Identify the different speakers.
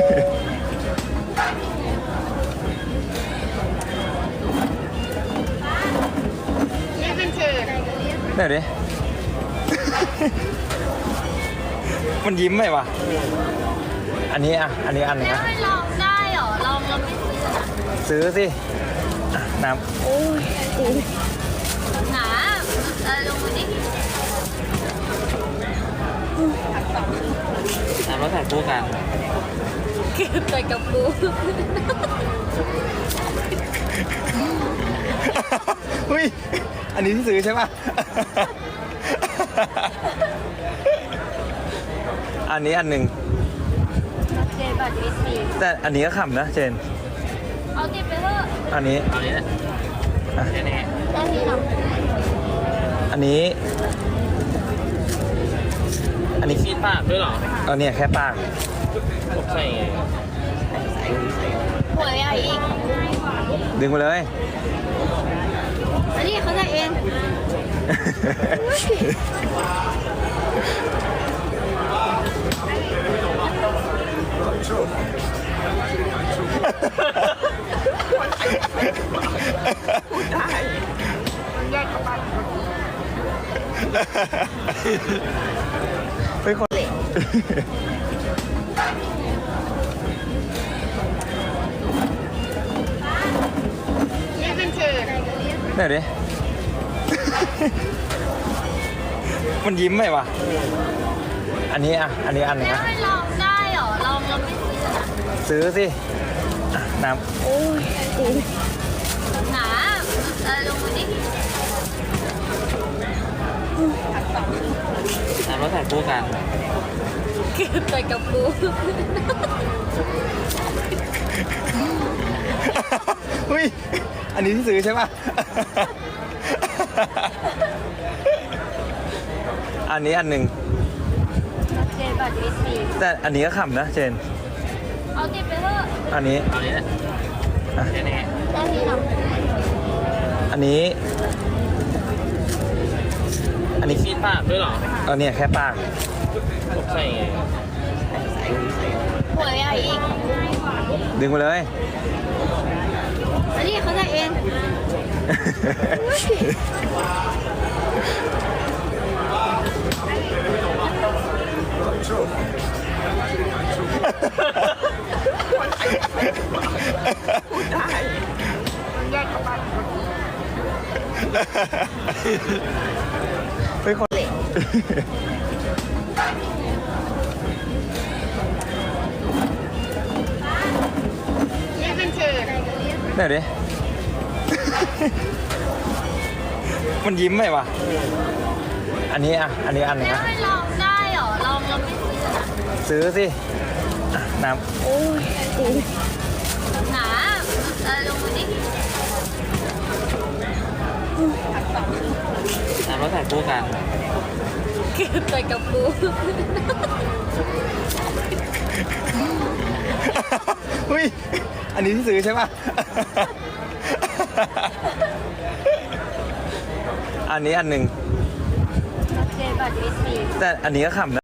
Speaker 1: นี่เป็นเชิญ
Speaker 2: เดี๋ยวดิ มันยิ้มไหมวะอันนี้อ่ะอันนี้อันหนึง
Speaker 1: แล้ว
Speaker 2: นะ
Speaker 1: ไม่ลองได้เหรอ ลองแล้วไม่ซื้อนะ
Speaker 2: ซื้อสิอ่ะน้
Speaker 1: หนาลงมาดิ
Speaker 2: ำแล้วใส่คู่กัน
Speaker 1: ใส่กับกู
Speaker 2: เฮ้ยอันนี้ที่ซื้อใช่ป่ะ อันนี้อันหนึ่ง
Speaker 1: เจบัตรวีซี
Speaker 2: แต่อันนี้ก็ขำนะเจน
Speaker 1: เอาติดไปเถอะ
Speaker 2: อันนี้
Speaker 3: เอานี้แหละแน่
Speaker 1: ได้ทีหรอ
Speaker 2: อันนี้ อันนี้
Speaker 3: ๆคิดปากด้วยเหรอ
Speaker 2: เอาเนี่ยแค่ปาก
Speaker 3: ผมใส่ไง
Speaker 1: หัวใหญ่อีก
Speaker 2: ดึงไปเลย
Speaker 1: อันนี้เขาจะเอง
Speaker 2: เป็นคน
Speaker 1: นี่เป็นเชิญ
Speaker 2: เดี๋ยวดิ มันยิ้มไหมวะอันนี้อ่ะอันนี้อันหนึง
Speaker 1: แล้ว
Speaker 2: นะ
Speaker 1: ไม่ลองได้เหรอ ลองแล้วไม่ซื้อนะ
Speaker 2: ซื้อสิอ่ะน้
Speaker 1: หนาลงมาดิ
Speaker 3: แล้วใส่คู่กัน
Speaker 1: ใส่กับกู
Speaker 2: ำเฮ้ยอันนี้ที่ซื้อใช่ป่ะ อันนี้อันหนึ่ง
Speaker 1: เจบัตรวีซี
Speaker 2: แต่อันนี้ก็ขำนะเจน
Speaker 1: เอาติดไปเถอะ
Speaker 2: อันนี้
Speaker 3: เอานี้แหละแน่
Speaker 1: ได้ทีหรอ
Speaker 2: อันนี้ อันนี้
Speaker 3: ๆคิดปากด้วยเหรอ
Speaker 2: เอาเนี่ยแค่ปาก
Speaker 3: ผมใส่ไง
Speaker 1: หัวใหญ่อีก
Speaker 2: ดึงไปเลย
Speaker 1: อันนี้เขาจะเอง
Speaker 2: เป็นคน
Speaker 1: นี่เป็นเชิญ
Speaker 2: เดี๋ยวดิ มันยิ้มไหมวะอันนี้อ่ะอันนี้อันหนึง
Speaker 1: แล้ว
Speaker 2: นะ
Speaker 1: ไม่ลองได้เหรอ ลองแล้วไม่ซื้อนะ
Speaker 2: ซื้อสิอ่ะน้
Speaker 1: หนาลงมาดิ
Speaker 3: แล้วใส่คู่กัน
Speaker 1: ใส่กับกู
Speaker 2: ำเฮ้ยอันนี้ที่ซื้อใช่ป่ะ อันนี้อันหนึ่ง
Speaker 1: เจบัตรวีซี
Speaker 2: แต่อันนี้ก็ขำนะ